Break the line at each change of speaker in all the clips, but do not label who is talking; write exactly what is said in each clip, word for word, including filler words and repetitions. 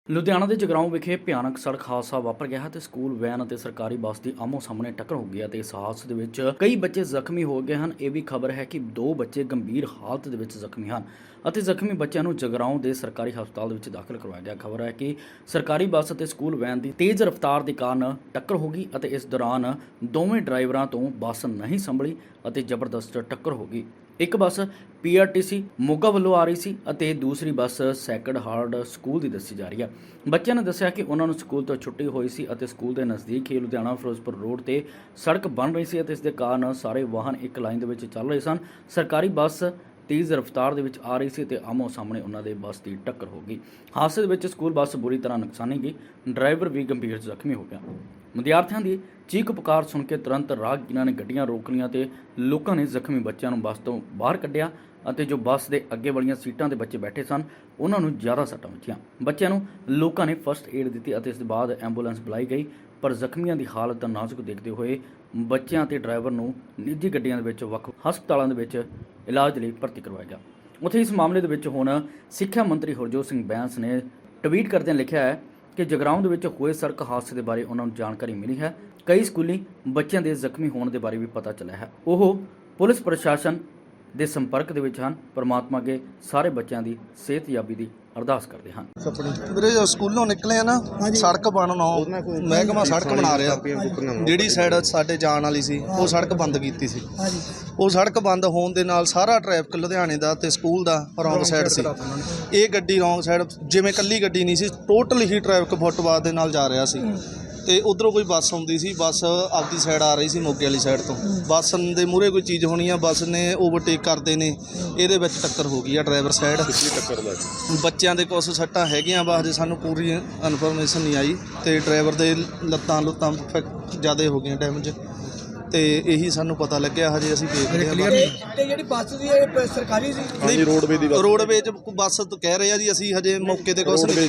ਲੁਧਿਆਣਾ ਦੇ ਜਗਰਾਉਂ ਵਿਖੇ ਭਿਆਨਕ ਸੜਕ ਹਾਦਸਾ ਵਾਪਰ ਗਿਆ ਹੈ ਤੇ ਸਕੂਲ ਵੈਨ ਅਤੇ ਸਰਕਾਰੀ ਬੱਸ ਦੀ ਆਮੋ ਸਾਹਮਣੇ ਟੱਕਰ ਹੋ ਗਈ ਅਤੇ ਇਸ ਹਾਦਸੇ ਦੇ ਵਿੱਚ ਕਈ ਬੱਚੇ ਜ਼ਖਮੀ ਹੋ ਗਏ ਹਨ। ਇਹ ਵੀ ਖਬਰ ਹੈ ਕਿ ਦੋ ਬੱਚੇ ਗੰਭੀਰ ਹਾਲਤ ਦੇ ਵਿੱਚ ਜ਼ਖਮੀ ਹਨ ਅਤੇ ਜ਼ਖਮੀ ਬੱਚਿਆਂ ਨੂੰ ਜਗਰਾਉਂ ਦੇ ਸਰਕਾਰੀ ਹਸਪਤਾਲ ਦੇ ਵਿੱਚ ਦਾਖਲ ਕਰਵਾਇਆ ਗਿਆ। ਖਬਰ ਹੈ ਕਿ ਸਰਕਾਰੀ ਬੱਸ ਅਤੇ ਸਕੂਲ ਵੈਨ ਦੀ ਤੇਜ਼ ਰਫ਼ਤਾਰ ਦੇ ਕਾਰਨ ਟੱਕਰ ਹੋ ਗਈ ਅਤੇ ਇਸ ਦੌਰਾਨ ਦੋਵੇਂ ਡਰਾਈਵਰਾਂ ਤੋਂ ਬੱਸ ਨਹੀਂ ਸੰਭਲੀ ਅਤੇ ਜ਼ਬਰਦਸਤ ਟੱਕਰ ਹੋ ਗਈ। ਇੱਕ bus P R T C Moga ਵੱਲੋਂ ਆ ਰਹੀ ਸੀ ਅਤੇ ਦੂਸਰੀ ਬੱਸ ਸੈਕਰਡ ਹਾਰਟ ਸਕੂਲ ਦੀ ਦੱਸੀ ਜਾ ਰਹੀ ਹੈ। ਬੱਚਿਆਂ ਨੇ ਦੱਸਿਆ ਕਿ ਉਹਨਾਂ ਨੂੰ ਸਕੂਲ ਤੋਂ ਛੁੱਟੀ ਹੋਈ ਸੀ ਅਤੇ ਸਕੂਲ ਦੇ ਨਜ਼ਦੀਕ ਹੀ ਲੁਧਿਆਣਾ ਫਿਰੋਜ਼ਪੁਰ ਰੋਡ ਤੇ ਸੜਕ ਬਣ ਰਹੀ ਸੀ ਅਤੇ ਇਸ ਦੇ ਕਾਰਨ ਸਾਰੇ ਵਾਹਨ ਇੱਕ ਲਾਈਨ ਦੇ ਵਿੱਚ ਚੱਲ ਰਹੇ ਸਨ। ਸਰਕਾਰੀ ਬੱਸ ਤੇਜ਼ ਰਫ਼ਤਾਰ ਦੇ ਵਿੱਚ ਆ ਰਹੀ ਸੀ ਤੇ ਆਮੋ ਸਾਹਮਣੇ ਉਹਨਾਂ ਦੇ ਬੱਸ ਦੀ ਟੱਕਰ ਹੋ ਗਈ। ਹਾਦਸੇ ਦੇ ਵਿੱਚ ਸਕੂਲ ਬੱਸ ਬੁਰੀ ਤਰ੍ਹਾਂ ਨੁਕਸਾਨੀ ਗਈ, ਡਰਾਈਵਰ ਵੀ ਗੰਭੀਰ ਜ਼ਖਮੀ ਹੋ ਗਿਆ। ਵਿਦਿਆਰਥੀਆਂ ਦੀ ਚੀਕ ਪੁਕਾਰ ਸੁਣ ਕੇ ਤੁਰੰਤ ਰਾਹਗੀਰਾਂ ਨੇ ਗੱਡੀਆਂ ਰੋਕ ਲਈਆਂ ਤੇ ਲੋਕਾਂ ਨੇ ਜ਼ਖਮੀ ਬੱਚਿਆਂ ਨੂੰ ਬੱਸ ਤੋਂ ਬਾਹਰ ਕੱਢਿਆ ਅਤੇ ਜੋ ਬੱਸ ਦੇ ਅੱਗੇ ਵਾਲੀਆਂ ਸੀਟਾਂ ਤੇ ਬੱਚੇ ਬੈਠੇ ਸਨ ਉਹਨਾਂ ਨੂੰ ਜ਼ਿਆਦਾ ਸੱਟਾਂ ਵੱਜੀਆਂ। ਬੱਚਿਆਂ ਨੂੰ ਲੋਕਾਂ ਨੇ ਫਸਟ ਏਡ ਦਿੱਤੀ ਅਤੇ ਇਸ ਦੇ ਬਾਅਦ ਐਂਬੂਲੈਂਸ ਬੁਲਾਈ ਗਈ, ਪਰ ਜ਼ਖਮੀਆਂ ਦੀ ਹਾਲਤ ਨਾਜ਼ੁਕ ਦੇਖਦੇ ਹੋਏ ਬੱਚਿਆਂ ਤੇ ਡਰਾਈਵਰ ਨੂੰ ਨਿੱਜੀ ਗੱਡੀਆਂ ਦੇ ਵਿੱਚ ਵੱਖ ਹਸਪਤਾਲਾਂ ਦੇ ਵਿੱਚ ਇਲਾਜ ਲਈ ਭਰਤੀ ਕਰਵਾਇਆ ਗਿਆ। ਉੱਥੇ ਇਸ ਮਾਮਲੇ ਦੇ ਵਿੱਚ ਹੁਣ ਸਿੱਖਿਆ ਮੰਤਰੀ ਹਰਜੋਤ ਸਿੰਘ ਬੈਂਸ ਨੇ ਟਵੀਟ ਕਰਦਿਆਂ ਲਿਖਿਆ ਹੈ ਕਿ ਜਗਰਾਉਂ ਦੇ ਵਿੱਚ ਹੋਏ ਸੜਕ ਹਾਦਸੇ ਦੇ ਬਾਰੇ ਉਹਨਾਂ ਨੂੰ ਜਾਣਕਾਰੀ ਮਿਲੀ ਹੈ। ਕਈ ਸਕੂਲੀ ਬੱਚਿਆਂ ਦੇ ਜ਼ਖਮੀ ਹੋਣ ਦੇ ਬਾਰੇ ਵੀ ਪਤਾ ਚੱਲਿਆ ਹੈ। ਉਹ ਪੁਲਿਸ ਪ੍ਰਸ਼ਾਸਨ ਦੇ ਸੰਪਰਕ ਦੇ ਵਿੱਚ ਹਨ। ਪਰਮਾਤਮਾ ਅੱਗੇ ਸਾਰੇ ਬੱਚਿਆਂ ਦੀ ਸਿਹਤਯਾਬੀ ਦੀ ਅਰਦਾਸ ਕਰਦੇ ਹਨ।
ਵੀਰੇ ਜੋ ਸਕੂਲੋਂ ਨਿਕਲੇ ਆ ਨਾ, ਸੜਕ ਬਣਨਾ ਮਹਿਕਮਾ ਸੜਕ ਬਣਾ ਰਿਹਾ, ਜਿਹੜੀ ਸਾਈਡ ਸਾਡੇ ਜਾਣ ਵਾਲੀ ਸੀ ਉਹ ਸੜਕ ਬੰਦ ਕੀਤੀ ਸੀ। ਉਹ ਸੜਕ ਬੰਦ ਹੋਣ ਦੇ ਨਾਲ ਸਾਰਾ ਟ੍ਰੈਫਿਕ ਲੁਧਿਆਣੇ ਦਾ ਤੇ ਸਕੂਲ ਦਾ ਰੌਂਗ ਸਾਈਡ ਸੀ। ਇਹ ਗੱਡੀ ਰੌਂਗ ਸਾਈਡ ਜਿਵੇਂ ਕੱਲੀ ਗੱਡੀ ਨਹੀਂ ਸੀ, ਟੋਟਲ ਹੀ ਟ੍ਰੈਫਿਕ ਫੁੱਟਪਾਥ ਦੇ ਨਾਲ ਜਾ ਰਿਹਾ ਸੀ ਤੇ ਉਧਰੋਂ ਕੋਈ ਬੱਸ ਆਉਂਦੀ ਸੀ, ਬੱਸ ਆਪਦੀ ਸਾਈਡ ਆ ਰਹੀ ਸੀ ਮੋਗੇ ਵਾਲੀ ਸਾਈਡ ਤੋਂ। ਬੱਸ ਦੇ ਮੂਹਰੇ ਕੋਈ ਚੀਜ਼ ਹੋਣੀ ਆ, ਬੱਸ ਨੇ ਓਵਰਟੇਕ ਕਰਦੇ ਨੇ, ਇਹਦੇ ਵਿੱਚ ਟੱਕਰ ਹੋ ਗਈ ਆ ਡਰਾਈਵਰ ਸਾਈਡ। ਟੱਕਰ ਲੱਗੀ ਬੱਚਿਆਂ ਦੇ ਕੁਛ ਸੱਟਾਂ ਹੈਗੀਆਂ ਵਾ, ਹਜੇ ਸਾਨੂੰ ਪੂਰੀ ਇਨਫੋਰਮੇਸ਼ਨ ਨਹੀਂ ਆਈ ਤੇ ਡਰਾਈਵਰ ਦੇ ਲੱਤਾਂ ਲੁੱਤਾਂ ਜ਼ਿਆਦਾ ਹੋ ਗਈਆਂ ਡੈਮੇਜ ਤੇ ਇਹੀ ਸਾਨੂੰ ਪਤਾ ਲੱਗਿਆ। ਹਜੇ ਅਸੀਂ ਦੇਖਦੇ ਹਾਂ।
ਤੇ ਜਿਹੜੀ ਬੱਸ ਸੀ ਇਹ ਸਰਕਾਰੀ ਸੀ?
ਨਹੀਂ, ਰੋਡਵੇ ਦੀ ਰੋਡਵੇਜ ਬੱਸ ਕਹਿ ਰਹੇ ਆ ਜੀ, ਅਸੀਂ ਹਜੇ ਮੌਕੇ ਤੇ ਕੁਛ
ਤੇ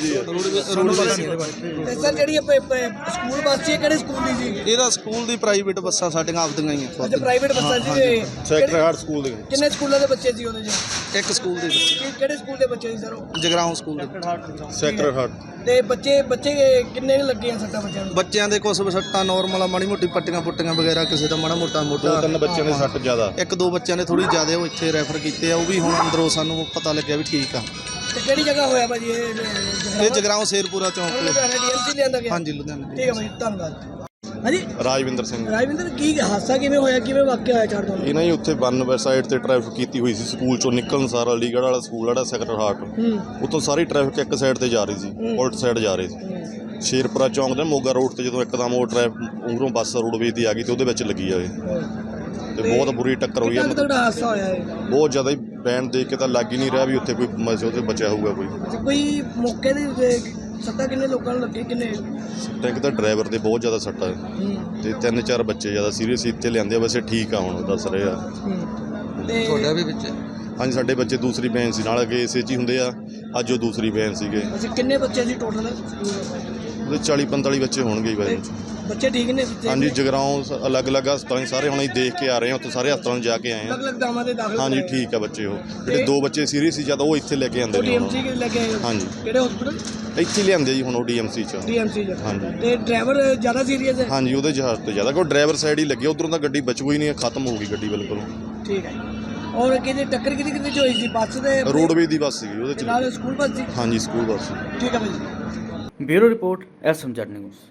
ਸਰ ਜਿਹੜੀ ਸਕੂਲ ਬੱਸ ਸੀ ਕਿਹੜੇ ਸਕੂਲ ਦੀ ਸੀ?
ਇਹਦਾ ਸਕੂਲ ਦੀ ਪ੍ਰਾਈਵੇਟ ਬੱਸਾਂ ਸਾਡੀਆਂ ਆਪਦੀਆਂ ਹੀ ਆ।
ਅੱਛਾ, ਪ੍ਰਾਈਵੇਟ ਬੱਸਾਂ ਸੀ।
ਸੈਕਟਰ ਹਾਰਟ ਸਕੂਲ ਦੇ
ਕਿੰਨੇ ਸਕੂਲਾਂ ਦੇ ਬੱਚੇ ਸੀ ਉਹਦੇ ਚ?
ਇੱਕ ਸਕੂਲ ਦੇ ਬੱਚੇ।
ਕਿਹੜੇ ਸਕੂਲ ਦੇ ਬੱਚੇ ਸੀ ਸਰ ਉਹ?
ਜਗਰਾਉਂ ਸਕੂਲ ਦੇ ਸੈਕਟਰ ਹਾਰਟ।
ਤੇ ਬੱਚੇ ਬੱਚੇ ਕਿੰਨੇ ਲੱਗੇ ਆ ਸੱਟਾਂ ਬੱਚਿਆਂ ਨੂੰ?
ਬੱਚਿਆਂ ਦੇ ਕੁਛ ਸੱਟਾਂ ਨਾਰਮਲ ਆ, ਮਾੜੀ ਮੋਟੀ ਪੱਟੀਆਂ ਪੁੱਟੀਆਂ ਵਗੈਰਾ, ਕਿਸੇ ਦਾ ਮਾੜਾ ਮੋਟਾ ਮੋਟਾ।
ਦੋ ਤਿੰਨ ਬੱਚਿਆਂ ਦੇ ਸੱਟ ਜ਼ਿਆਦਾ,
ਇੱਕ ਦੋ ਬੱਚਿਆਂ ਨੇ ਥੋੜੀ ਜ਼ਿਆਦਾ, ਉਹ ਇੱਥੇ ਰੈਫਰ ਕੀਤੇ ਆ। ਉਹ ਵੀ ਹੁਣ ਅੰਦਰੋਂ ਸਾਨੂੰ ਪਤਾ ਲੱਗਿਆ ਵੀ ਠੀਕ ਆ।
ਤੇ ਕਿਹੜੀ ਜਗ੍ਹਾ ਹੋਇਆ ਭਾਜੀ ਇਹ?
ਇਹ ਜਗਰਾਉਂ ਸ਼ੇਰਪੁਰਾ ਚੌਂਕ ਤੇ।
ਲੁਧਿਆਣਾ ਡੀ ਐਮ ਸੀ ਲਿਆਂਦਾ ਗਿਆ?
ਹਾਂਜੀ, ਲੁਧਿਆਣਾ।
ਠੀਕ ਹੈ ਭਾਜੀ, ਧੰਨਵਾਦ। ਹਾਂਜੀ,
ਰਾਜਵਿੰਦਰ ਸਿੰਘ।
ਰਾਜਵਿੰਦਰ, ਕੀ ਹਾਦਸਾ ਕਿਵੇਂ ਹੋਇਆ, ਕਿਵੇਂ ਵਾਕਿਆ ਹੋਇਆ ਚਾਰ ਤੋਂ?
ਇਹ ਨਾ ਜੀ ਉੱਥੇ ਬੰਨ ਸਾਈਡ ਤੇ ਟ੍ਰੈਫਿਕ ਕੀਤੀ ਹੋਈ ਸੀ, ਸਕੂਲ ਚੋਂ ਨਿਕਲਣ ਸਾਰਾ ਅਲੀਗੜ੍ਹ ਵਾਲਾ ਸਕੂਲ ਜਿਹੜਾ ਸੈਕਟਰ ਹਾਰਟ, ਉੱਥੋਂ ਸਾਰੀ ਟ੍ਰੈਫਿਕ ਇੱਕ ਸਾਈਡ ਤੇ ਜਾ ਰਹੀ ਸੀ, ਉਲਟ ਸਾਈਡ ਜਾ ਰਹੀ ਸੀ। ਸ਼ੇਰਪੁਰਾ ਚੌਂਕ ਦੇ ਮੋਗਾ ਰੋਡ ਤੇ ਜਦੋਂ ਇੱਕਦਮ ਉਹ ਟ੍ਰੈਫਿਕ ਉਧਰੋਂ ਬੱਸ ਰੋਡਵੇਜ਼ ਦੀ ਆ ਗਈ ਤੇ ਉਹਦੇ ਵਿੱਚ ਲੱਗੀ ਜਾਵੇ ਤੇ ਬਹੁਤ ਬੁਰੀ ਟੱਕਰ ਹੋਈ ਹੈ।
ਹਾਦਸਾ ਹੋਇਆ ਹੈ
ਬਹੁਤ ਜ਼ਿਆਦਾ ਹੀ, ਬੈਂਡ ਦੇਖ ਕੇ ਤਾਂ ਲੱਗ ਹੀ ਨਹੀਂ ਰਿਹਾ ਵੀ ਉੱਥੇ ਕੋਈ ਉਹਦੇ ਬਚਿਆ ਹੋਊਗਾ ਕੋਈ।
ਕੋਈ ਮੌਕੇ ਦੇ ਸੱਟਾਂ ਕਿੰਨੇ ਲੋਕਾਂ ਨੂੰ ਲੱਗੇ? ਕਿੰਨੇ
ਇੱਕ ਤਾਂ ਡਰਾਈਵਰ ਦੇ ਬਹੁਤ ਜ਼ਿਆਦਾ ਸੱਟਾਂ ਤੇ ਤਿੰਨ ਚਾਰ ਬੱਚੇ ਜ਼ਿਆਦਾ ਸੀਰੀਅਸ ਇੱਥੇ ਲਿਆਂਦੇ ਆ, ਵੈਸੇ ਠੀਕ ਆ ਹੁਣ ਦੱਸ ਰਹੇ ਆ।
ਤੁਹਾਡਾ ਵੀ ਵਿੱਚ?
ਹਾਂਜੀ, ਸਾਡੇ ਬੱਚੇ ਦੂਸਰੀ ਵੈਨ ਸੀ, ਨਾਲ ਅੱਗੇ ਇਸੇ 'ਚ ਹੀ ਹੁੰਦੇ ਆ, ਅੱਜ ਉਹ ਦੂਸਰੀ ਵੈਨ ਸੀਗੇ।
ਅੱਛਾ, ਕਿੰਨੇ ਬੱਚੇ ਸੀ ਟੋਟਲ?
ਉਹਦੇ ਚਾਲੀ ਪੰਤਾਲੀ ਬੱਚੇ ਹੋਣਗੇ ਵੈਨ 'ਚ।
ਬੱਚੇ ਠੀਕ ਨੇ?
ਹਾਂਜੀ, ਜਗਰਾਉਂ ਅਲੱਗ-ਅਲੱਗ ਹਸਪਤਾਲਾਂ ਸਾਰੇ ਹੁਣ ਅਸੀਂ ਦੇਖ ਕੇ ਆ ਰਹੇ ਹਾਂ, ਉੱਥੇ ਸਾਰੇ ਹਸਪਤਾਲਾਂ ਨੂੰ ਜਾ ਕੇ ਆਏ ਹਾਂ।
ਅਲੱਗ-ਅਲੱਗ ਦਾਵਾਂ ਦੇ ਦਾਖਲ?
ਹਾਂਜੀ, ਠੀਕ ਆ ਬੱਚੇ। ਉਹ ਜਿਹੜੇ ਦੋ ਬੱਚੇ ਸੀਰੀਅਸ ਸੀ ਜਦ, ਉਹ ਇੱਥੇ ਲੈ ਕੇ ਆਉਂਦੇ ਨੇ।
ਡੀਐਮਸੀ ਲੈ ਕੇ ਆਏ?
ਹਾਂਜੀ।
ਕਿਹੜੇ ਹਸਪੀਟਲ?
ਇੱਥੇ ਲਿਆਂਦੇ ਜੀ ਹੁਣ ਉਹ ਡੀਐਮਸੀ 'ਚ।
ਡੀਐਮਸੀ 'ਚ?
ਹਾਂਜੀ।
ਤੇ ਡਰਾਈਵਰ ਜ਼ਿਆਦਾ ਸੀਰੀਅਸ ਹੈ?
ਹਾਂਜੀ, ਉਹਦੇ ਜਹਾਜ਼ ਤੇ ਜ਼ਿਆਦਾ, ਕੋਈ ਡਰਾਈਵਰ ਸਾਈਡ ਹੀ ਲੱਗੇ, ਉੱਧਰੋਂ ਤਾਂ ਗੱਡੀ ਬਚੂ ਹੀ ਨਹੀਂ, ਖਤਮ ਹੋ ਗਈ ਗੱਡੀ ਬਿਲਕੁਲ।
ਠੀਕ ਹੈ। ਔਰ ਕਿਹਦੀ ਟੱਕਰ ਕਿਹਦੀ ਕਿਹਦੀ 'ਚ ਹੋਈ ਸੀ? ਬੱਸ ਦੇ?
ਰੋਡਵੇਜ਼ ਦੀ ਬੱਸ ਸੀਗੀ ਉਹਦੇ 'ਚ।
ਨਾਲ ਸਕੂਲ ਬੱਸ ਸੀ?
ਹਾਂਜੀ, ਸਕੂਲ ਬੱਸ।
ਠੀਕ ਹੈ ਭਾਈ।
Bureau report, S M Z news.